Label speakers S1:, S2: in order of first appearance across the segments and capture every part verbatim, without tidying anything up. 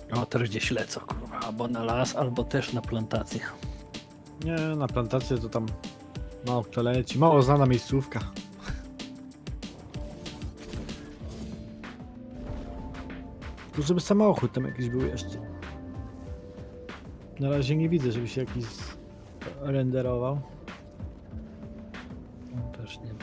S1: O, też gdzieś lecą, kurwa, albo na las, albo też na plantację.
S2: Nie, na plantację to tam mało kto leci. Mało znana miejscówka. Tu żeby samochód tam jakiś był jeszcze. Na razie nie widzę, żeby się jakiś renderował.
S1: Też nie ma.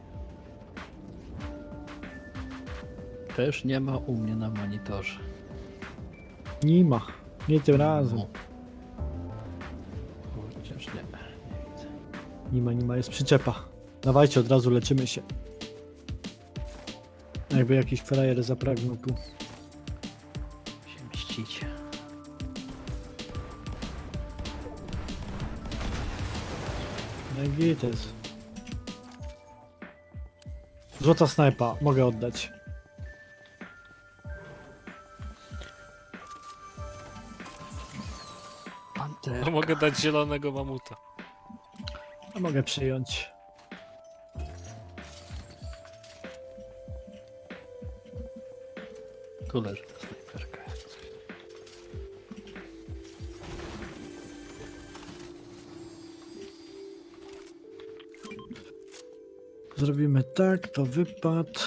S1: Też nie ma u mnie na monitorze.
S2: Nie ma. Nie tym razem.
S1: No. Chociaż nie, nie widzę.
S2: Nie ma, nie ma, jest przyczepa. Dawajcie, od razu leczymy się. Jakby jakiś frajer zapragnął tu.
S1: Się mścić.
S2: No i gites. Złota snajpa, mogę oddać.
S1: Panter.
S3: No, mogę dać zielonego mamuta.
S2: A mogę przyjąć.
S1: Tu leży ta snajperka. jak coś.
S2: Zrobimy tak, to wypad.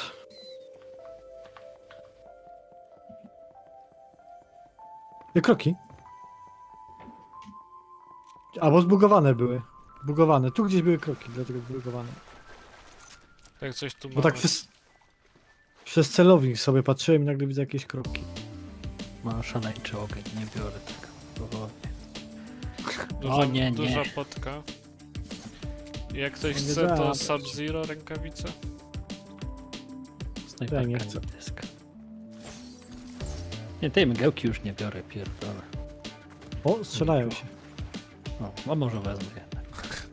S2: I kroki. Albo zbugowane były. Bugowane. Tu gdzieś były kroki, dlatego zbugowane.
S3: Jak coś tu
S2: Bo
S3: mamy.
S2: tak przez, przez celownik sobie patrzyłem i nagle widzę jakieś kroki.
S1: Ma szaleńczy ogień, nie biorę tak powolnie.
S3: Duża,
S1: O nie, nie.
S3: duża potka. Jak ktoś
S2: Nie
S3: chce, to
S2: da.
S3: Sub-Zero rękawice.
S1: Snajperka
S2: nie
S1: nie
S2: chcę.
S1: dyska. Nie, tej mgiełki już nie biorę, pierdolę.
S2: O, strzelają się.
S1: O, a może wezmę jednak.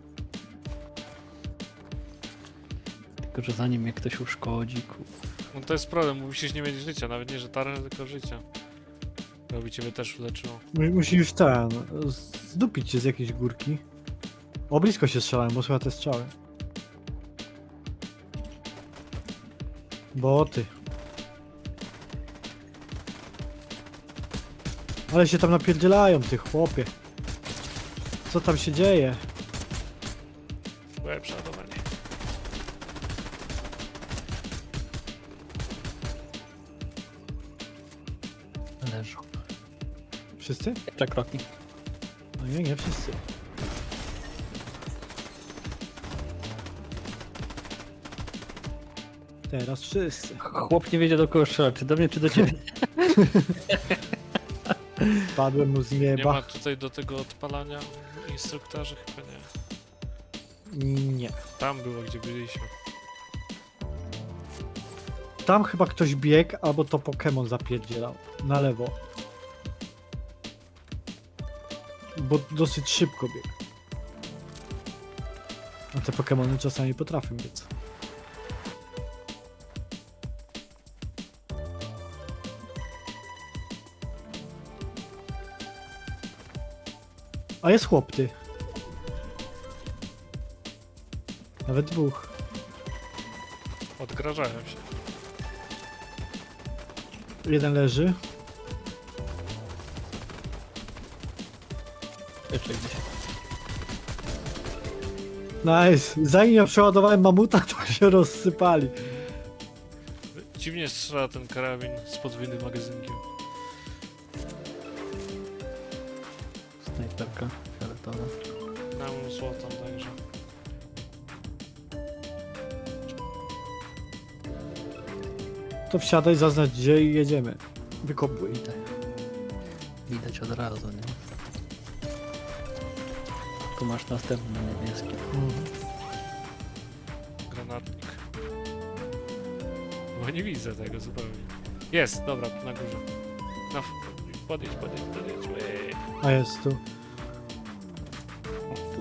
S1: Tylko, że zanim mnie ktoś uszkodzi, ku...
S3: No to jest problem, musisz nie mieć życia, nawet nie, że tarę, tylko życia. Robi ciebie też uleczyło.
S2: Mu- Musisz ten, zdupić się z jakiejś górki. O, blisko się strzelają, bo słychać te strzały. Boty. Ale się tam napierdzielają, ty chłopie. Co tam się dzieje?
S3: Byłem przeładowanie.
S1: leżą.
S2: Wszyscy?
S1: Jeszcze kroki.
S2: No nie, nie wszyscy. Teraz wszyscy.
S1: Chłop nie wiedział do kogo strzela, czy do mnie, czy do ciebie.
S2: Padłem mu z
S3: Nie ma
S2: nieba.
S3: tutaj do tego odpalania instruktorzy? Chyba nie.
S2: Nie.
S3: Tam było, gdzie byliśmy.
S2: Tam chyba ktoś biegł, albo to Pokémon zapierdzielał. Na lewo. Bo dosyć szybko biegł. A te Pokémony czasami potrafią biec. A jest chłop, ty. Nawet dwóch.
S3: Odgrażają się.
S2: Jeden leży.
S1: Jeszcze gdzieś.
S2: Nice. Zanim ja przeładowałem mamuta, to się rozsypali.
S3: Dziwnie strzela ten karabin z podwójnym magazynkiem.
S1: Snajperka fioletowa.
S3: Mam złotą także.
S2: To wsiadaj, zaznacz gdzie i jedziemy. Wykopuj.
S1: Widać. Widać od razu, nie? Tu masz następny niebieski.
S2: Mhm.
S3: Granatnik. Bo nie widzę tego zupełnie. Jest, dobra, na górze. No, podjedź, podjedź, podjedź. Ej.
S2: A jest tu.
S1: O, tu.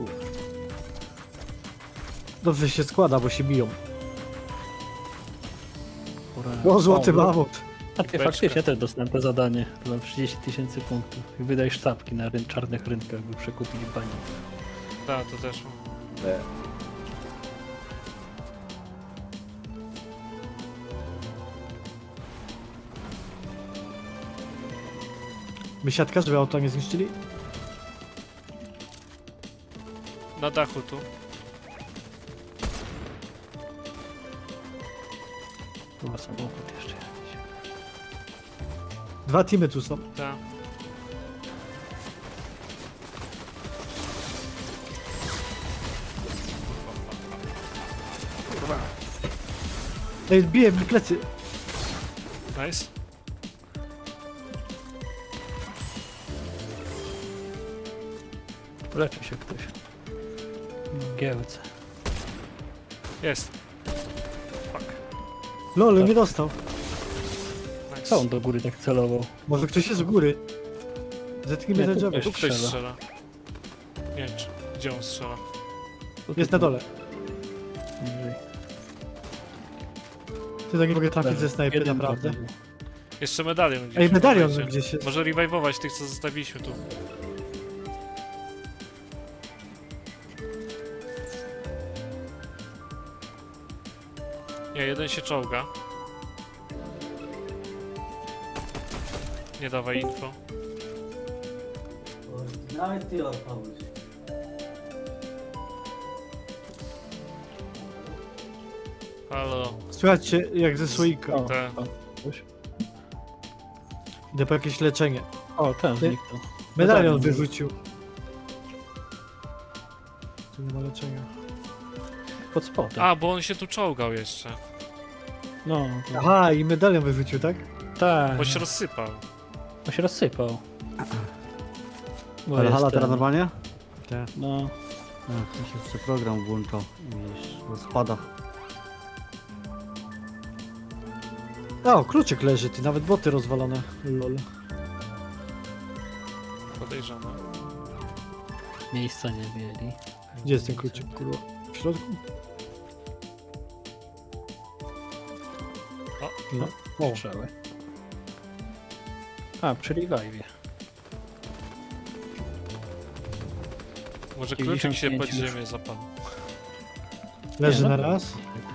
S2: Dobrze się składa, bo się biją.
S1: Ura.
S2: O, złoty
S1: O,
S2: mamut.
S1: A ty
S3: Beczka.
S1: faktycznie też dostałem to zadanie. To mam trzydzieści tysięcy punktów. I wydaj sztabki na ryn czarnych rynkach, by przekupić bani.
S3: Tak, to też mam.
S2: My siatka, żeby auto nie zniszczyli?
S3: Na dachu tu.
S1: Chyba samochód jeszcze jakiś.
S2: Dwa teamy tu są.
S3: Ta.
S2: Ej, bije mi plecy.
S3: Nice.
S1: Leczy się ktoś. Giełce.
S3: Jest. Fuck.
S2: Lol, nie dostał.
S3: Nice.
S1: Co on do góry tak celował?
S2: Może ktoś jest u góry. Zetknijmy
S1: Nie,
S2: te
S1: tu
S2: drzewo.
S3: Tu ktoś
S1: strzela.
S3: strzela. Nie wiem, czy, gdzie on strzela.
S1: Tu,
S2: Jest
S1: tu,
S2: na dole.
S1: niżej.
S2: Ty tak nie mogę trafić
S1: Jeden-
S2: ze snajpy,
S1: jeden
S2: naprawdę.
S1: padł.
S3: Jeszcze medalion gdzieś.
S2: Ej, medalion
S3: uważajcie.
S2: gdzieś jest.
S3: Może revive'ować tych, co zostawiliśmy tu. Nie, jeden się czołga. Nie dawaj info.
S4: Nawet ty odpowiedz.
S3: Halo.
S2: Słuchajcie, jak ze słoika.
S1: O,
S3: Te.
S1: o, ktoś.
S2: Idę po jakieś leczenie.
S1: O, ten
S2: Ty-
S1: zniknął.
S2: Medalion
S1: Medalion
S2: wyrzucił. Tu nie ma leczenia.
S1: Pod spodem.
S3: A, bo on się tu czołgał jeszcze.
S1: No, to-
S2: Aha, i medalion wyrzucił, tak?
S1: tak.
S3: Bo się rozsypał.
S1: On się rozsypał. Bo
S5: Ale
S1: jest
S5: hala
S1: ten-
S5: teraz normalnie?
S2: Tak.
S1: No,
S5: Ach, mi się jeszcze program włączał. Widzisz, w spadach.
S2: O, kluczyk leży, ty, nawet boty rozwalone. Lol.
S3: Podejrzane.
S1: miejsca nie mieli.
S2: Gdzie jest ten kluczyk, kurwa? W środku?
S3: O.
S2: No. O,
S1: Strzały. A, przy revive'ie.
S3: Może kluczyk się pod
S1: dziewięćdziesiąt pięć
S3: ziemię zapadł.
S2: leży
S1: Nie,
S2: na
S1: no.
S2: raz.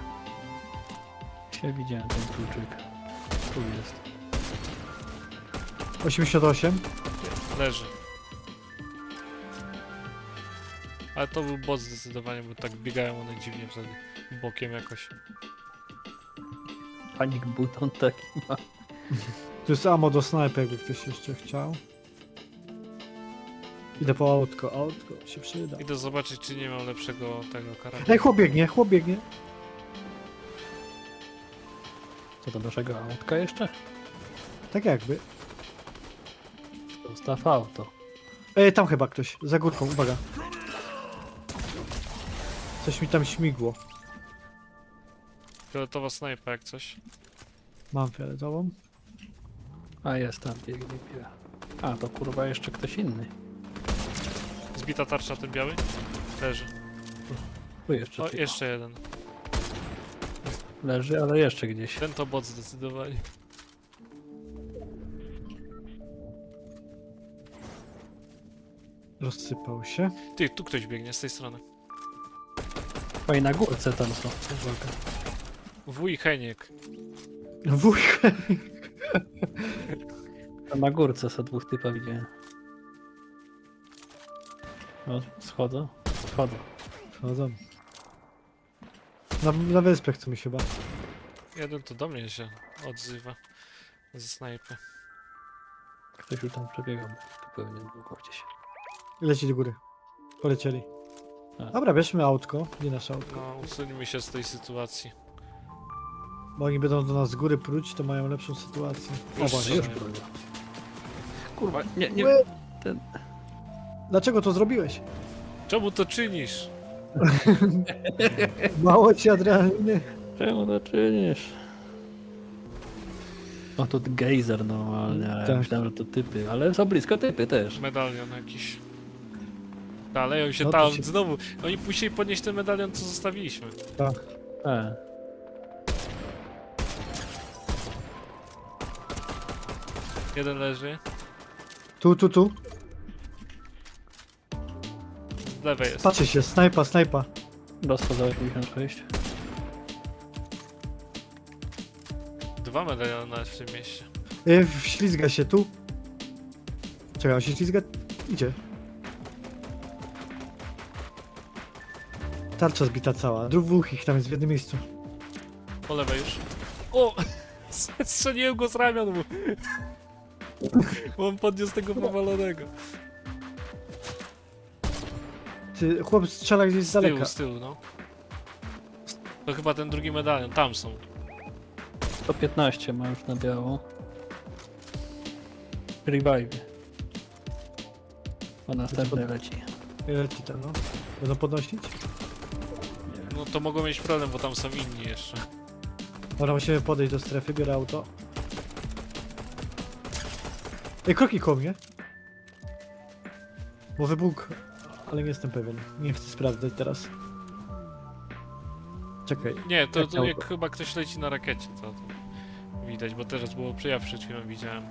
S1: Ja widziałem ten kluczyk. Tu jest.
S2: osiemdziesiąt osiem.
S3: Leży. Ale to był boss zdecydowanie, bo tak biegają one dziwnie wtedy. Bokiem jakoś.
S1: Panik buton taki ma.
S2: Tu jest ammo do snajpy, jakby ktoś jeszcze chciał. Idę po autko, autko się przyda.
S3: Idę zobaczyć, czy nie mam lepszego tego karabinu.
S2: Ej, chłop biegnie, chłop biegnie.
S1: Co do naszego autka jeszcze?
S2: Tak jakby.
S1: Zostaw auto.
S2: Ej, tam chyba ktoś, za górką, uwaga. Coś mi tam śmigło.
S3: Fioletowa snajpa jak coś.
S2: Mam fioletową.
S1: A jest tam, biegnie, biega. A, to kurwa jeszcze ktoś inny.
S3: Zbita tarcza ten biały? Leży.
S1: Tu jeszcze
S3: O,
S1: ty-
S3: jeszcze jeden.
S1: leży, ale jeszcze gdzieś.
S3: Ten to bot zdecydowanie.
S2: Rozsypał się.
S3: Ty, tu ktoś biegnie z tej strony.
S1: O, i na górce tam są. Uwaga.
S3: Wuj Heniek.
S2: Wujek.
S1: Tam na górce są dwóch typa widziałem. O, schodzą. Schodzą.
S2: Chodzą. Na, na wyspę chcemy się chyba.
S3: Jeden to do mnie się odzywa. Ze snajpy.
S1: Ktoś już tam przebiegał. Tu pewnie długo gdzieś.
S2: Leci do góry. Polecieli.
S1: A.
S2: Dobra, bierzmy autko. Nie nasze autko.
S3: No, usuńmy się z tej sytuacji.
S2: Bo oni będą do nas z góry pruć, to mają lepszą sytuację. O,
S3: Już
S2: właśnie, już.
S3: strzelają.
S1: Kurwa, nie, nie.
S2: Łe!
S1: Ten...
S2: Dlaczego to zrobiłeś?
S3: Czemu to czynisz?
S2: Mało ci adrenaliny.
S1: Czemu to czynisz? O, to gejzer normalnie, a ja
S2: Tak.
S1: myślałem, że to typy, ale są blisko typy też.
S3: Medalion jakiś. Dalej, się
S2: No to
S3: tam
S2: się-
S3: znowu. Oni musieli podnieść ten medalion, co zostawiliśmy.
S2: Tak.
S1: E,
S3: Jeden leży.
S2: Tu, tu, tu.
S3: Z lewej jest.
S2: Patrzy się, snajpa, snajpa.
S1: dostał za osiemdziesiąt sześć.
S3: Dwa medaliony nawet w tym mieście.
S2: Yy, ślizga się tu. Czekaj, on się ślizga... Idzie. Tarcza zbita cała. Dwóch ich tam jest w jednym miejscu.
S3: Po lewej już. O! Strzeliłem go z ramion mu. Bo on podniósł tego powalonego.
S2: Ty, chłop strzela gdzieś z
S3: Z tyłu,
S2: daleka.
S3: z tyłu, no. To chyba ten drugi medalion, tam są.
S1: sto piętnaście ma już na biało. Revive. O następny leci.
S2: Leci tam, no. Będą podnosić?
S3: No to mogą mieć problem, bo tam są inni jeszcze.
S2: Dobra, musimy podejść do strefy, biorę auto. Ej, kroki koło mnie. Może Bóg, ale nie jestem pewien. Nie chcę sprawdzać teraz. Czekaj.
S3: Nie, to,
S2: Jak
S3: to
S2: auto?
S3: jak chyba ktoś leci na rakiecie, to, to widać, bo teraz było, ja przed chwilą widziałem.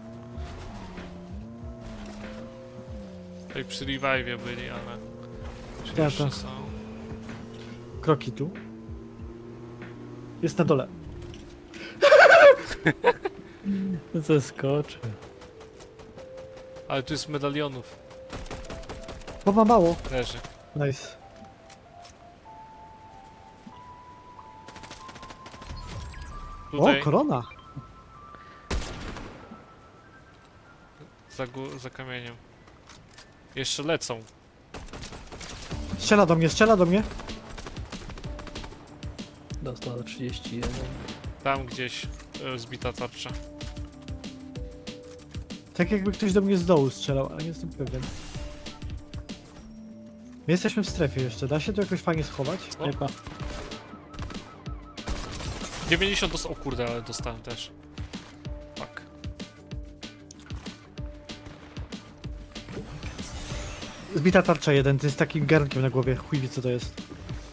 S3: Tutaj przy revive'ie byli, ale... Czy
S2: Ja
S3: jeszcze
S2: to-
S3: są?
S2: Kroki tu. Jest na dole.
S1: Zeskoczy.
S3: Ale tu jest medalionów,
S2: Bo ma mało.
S3: leży.
S2: Nice.
S3: Tutaj,
S2: O, korona.
S3: za, gó- za kamieniem. Jeszcze lecą.
S2: Strzela do mnie, strzela do mnie.
S1: Dostał trzydzieści jeden.
S3: Tam gdzieś e, zbita tarcza.
S2: Tak jakby ktoś do mnie z dołu strzelał, ale nie jestem pewien. My jesteśmy w strefie jeszcze. Da się to jakoś fajnie schować?
S3: O.
S1: Chyba.
S3: dziewięćdziesiąt dostał, o kurde, ale dostałem też. Tak.
S2: Zbita tarcza jeden, ty z takim garnkiem na głowie. Chuj wie co to jest.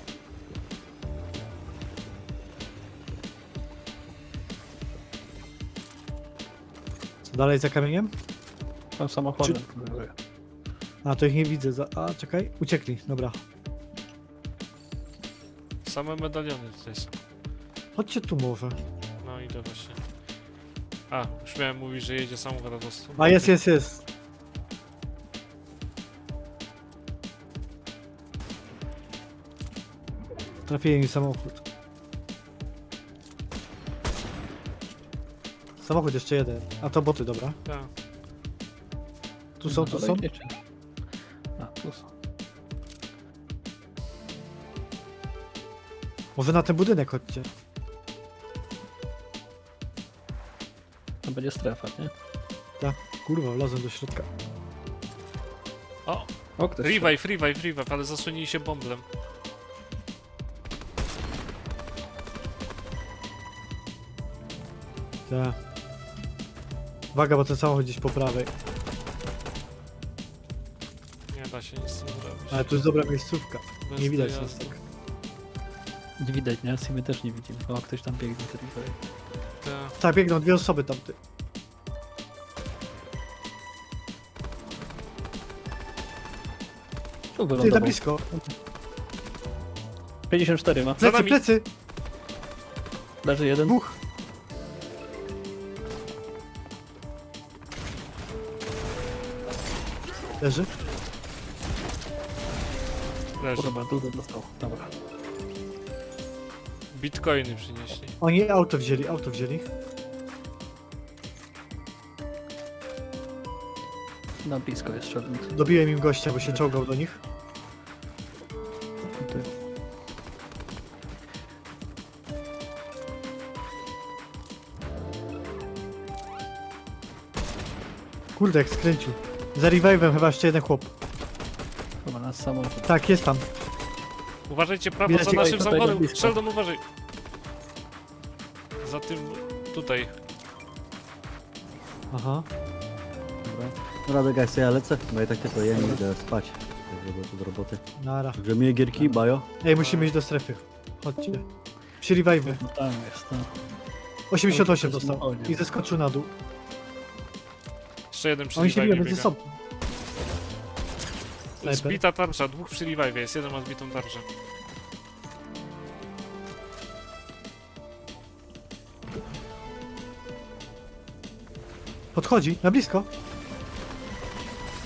S2: Co dalej za kamieniem?
S1: Tam samochodem próbuję.
S2: A, to ich nie widzę. Za... A, czekaj. Uciekli, dobra.
S3: Same medaliony tutaj są.
S2: Chodźcie tu może.
S3: No idę właśnie. A, już miałem mówić, że jedzie samochód, a dostał.
S2: A, jest, jest, jest. Trafiłem mi samochód. Samochód jeszcze jeden. A to boty, dobra.
S3: Tak.
S2: Tu są, tu są.
S1: Idziecie. A, tu są.
S2: Może na ten budynek chodźcie.
S1: To będzie strefa, nie?
S2: Kurwa, wlazłem do środka.
S3: O,
S1: O, ktoś
S3: revive, revive, revive, ale zasłonili się bomblem.
S2: Tak. Uwaga, bo ten samochód gdzieś po prawej.
S3: Nie da się nic z tym zrobić.
S2: Ale tu jest dobra miejscówka.
S3: Bez
S2: Nie widać
S3: dojazdu.
S2: nas tak.
S1: Nie widać, nie? My też nie widzimy. O, ktoś tam biegnie. To revive.
S3: Tak.
S2: Tak, biegną dwie osoby tamty.
S1: Tu
S2: Ty, na
S1: wylądował.
S2: blisko.
S1: pięćdziesiąt cztery ma.
S2: Plecy,
S3: nami.
S2: plecy!
S1: Leży jeden.
S2: Dwóch. Leży?
S3: Leży.
S1: Kurwa, dużo dostał. Dobra.
S3: Bitcoiny przynieśli.
S2: Oni auto wzięli, auto wzięli.
S1: Na blisko jest szedł.
S2: Dobiłem im gościa, bo się czołgał do nich.
S1: Ty.
S2: Kurde, jak skręcił. Za revive'em chyba jeszcze jeden chłop.
S1: Chyba nas samochód.
S2: Tak, jest tam.
S3: Uważajcie prawo
S2: Widać
S3: za
S2: go
S3: naszym
S1: tutaj
S3: samochodem.
S1: blisko.
S3: Sheldon, uważaj. Za tym tutaj.
S2: Aha.
S5: Dobra. No Radek, jak ja lecę, bo ja tak tylko jem i idę spać. Także do, do roboty.
S2: Nara.
S5: Także miłe gierki, bajo.
S2: Ej, musimy iść do strefy. Chodźcie. Przy revive'ie.
S1: No tam jest, no.
S2: osiemdziesiąt osiem
S1: Oj,
S2: dostał.
S1: samochodzie.
S2: I zeskoczył na dół.
S3: Jeszcze jeden przy
S2: Oni się biją
S3: revive'ie
S2: między
S3: biega.
S2: sobą. Snajper.
S3: Zbita tarcza, dwóch przy revive'ie jest, jeden ma zbitą tarczę.
S2: Podchodzi, na blisko.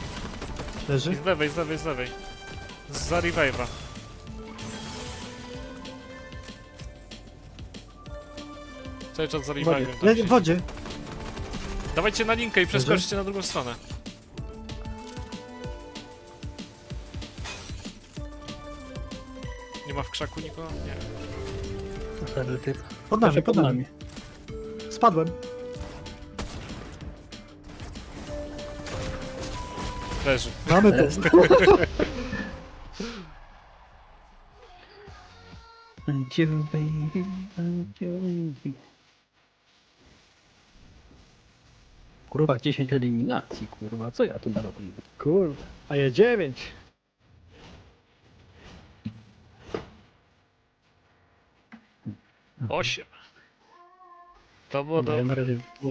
S2: Leży?
S3: I z lewej, z lewej, z lewej. Za revive'a. Cały czas za
S1: wodzie.
S3: revive'em tam
S2: Le-
S3: siedzi.
S2: w wodzie.
S3: Dawajcie na linkę i przeskoczcie na drugą stronę. Nie ma w krzaku nikogo? Nie.
S1: Stary typ.
S2: Pod nami, pod nami. Spadłem.
S3: Leży.
S2: Mamy to.
S1: Kurwa, dziesięć eliminacji, kurwa, co ja tu narobiłem?
S2: Kurwa. A ja dziewięć.
S3: Osiem. To było
S1: Ja
S3: dobre.
S1: na razie